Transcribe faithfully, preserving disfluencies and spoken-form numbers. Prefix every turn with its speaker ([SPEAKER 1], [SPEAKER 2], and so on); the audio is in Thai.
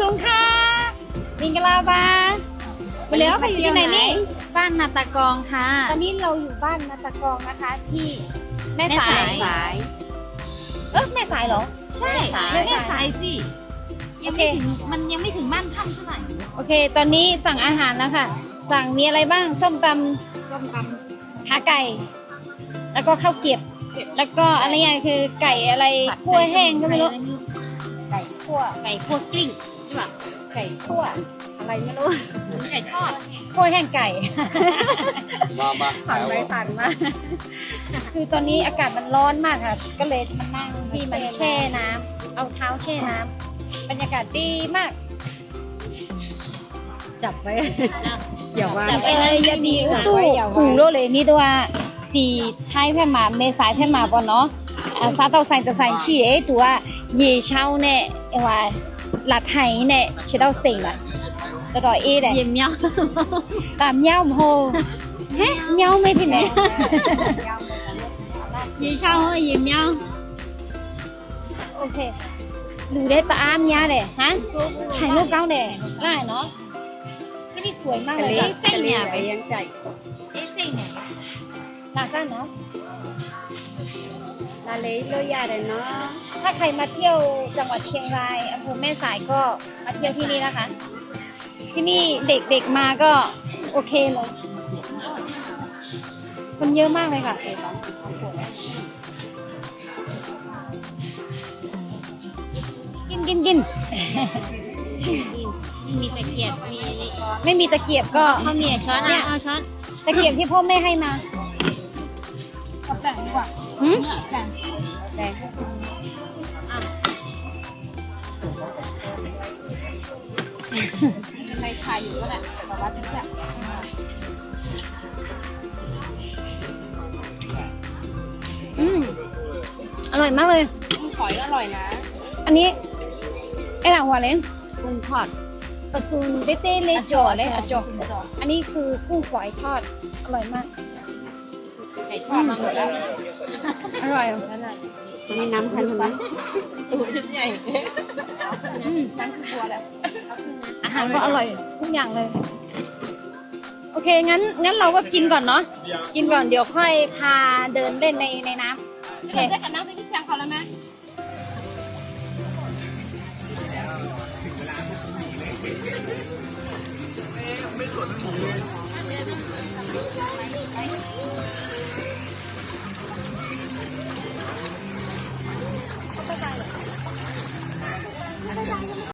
[SPEAKER 1] สูงค่ะมิงกลาบาไปแล้วไปอยู่ที่ไหนนี่บ้านนาตากองค่ะตอนนี้เราอยู่บ้านนาตากองนะคะที่แม่สายสายเออแม่สายเหรอใช่แม่สายสิยังไม่ถึงมันยังไม่ถึงบ้านถ้ำเท่าไหร่โอเคตอนนี้สั่งอาหารแล้วค่ะสั่งมีอะไรบ้างส้มตำส้มตำขาไก่แล้วก็ข้าวเกรี๊ยวแล้วก็อะไรอย่างคือไก่อะไรคั่วแห้งก็ไม่รู้ไก่คั่วไก่คั่วกลิ้งใช่ป่ะไก่คั่วอะไรไม่รู้ไก่ทอดคั่วแห้งไก่
[SPEAKER 2] มามา
[SPEAKER 1] ผ่านไปผ่านมาคือตอนนี้อากาศมันร้อนมากค่ะก็เลยมานั่งที่มันแช่น้ำเอาเท้าแช่น้ำบรรยากาศดีมากจับไว้อย่าว่าจับไปเลยอย่าดีตู้หูโลเลยนี่ตัวตีใช้แพ่มาเมษายแพ่มาปอนเนาะซาเตาใส่ตะใส่ชีเอตัวเย่เช่าเนี่ยว่าหลัดไทยเนี่ยชิดเอาเสียงละตลอดเอเด้เยี่ยมเมียวตามเมียวโหเฮ้เมียวไม่ที่ไหนเย่เช่าเยี่ยมเมียวโอเคดูได้ตาอ้ามยาเด้ฮะถ่ายรูปเก้าเด้ได้เนาะไม่ได้สวยมากเลยเส้นเนี่ยไปยังใจเอ๊ะเส้นเนี่ยหลักกันเนาะลาเลโลยาเลยเนาะถ้าใครมาเที่ยวจังหวัดเชียงรายอำเภอแม่สายก็มาเที่ยวที่นี่นะคะที่นี่เด็กๆมาก็โอเคเลยคนเยอะมากเลยค่ะกินกินกินมีตะเกียบมีไม่มีตะเกียบก็เขามีช้อนเนี่ยเอาช้อนตะเกียบที่พ่อแม่ให้มาแบ่งดีกว่าหืมแบ่งแบ่งในไทยอยู่ก็แหละแต่ว่าจะแบบอืมอร่อยมากเลยกุ้งฝอยก็อร่อยนะอันนี้ไอ้หลังหัวเลยกุ้งทอดปลาซูนเต้เต้เล็กจ่อเลยอะจ่ออันนี้คือกุ้งฝอยทอดอร่อยมากไก่ทอดมาหมดแล้วอร่อยอร่อยอันนี้น้ำพันธุ์ไหมตัวใหญ่อืมน้ำคือบัวแล้วอาหารก็อร่อยทุกอย่างเลยโอเคงั้นงั้นเราก็กินก่อนเนาะกินก่อนเดี๋ยวค่อยพาเดินเล่นในในน้ำโอเคได้กับน้ำไปที่เชียงเขาแล้วไหม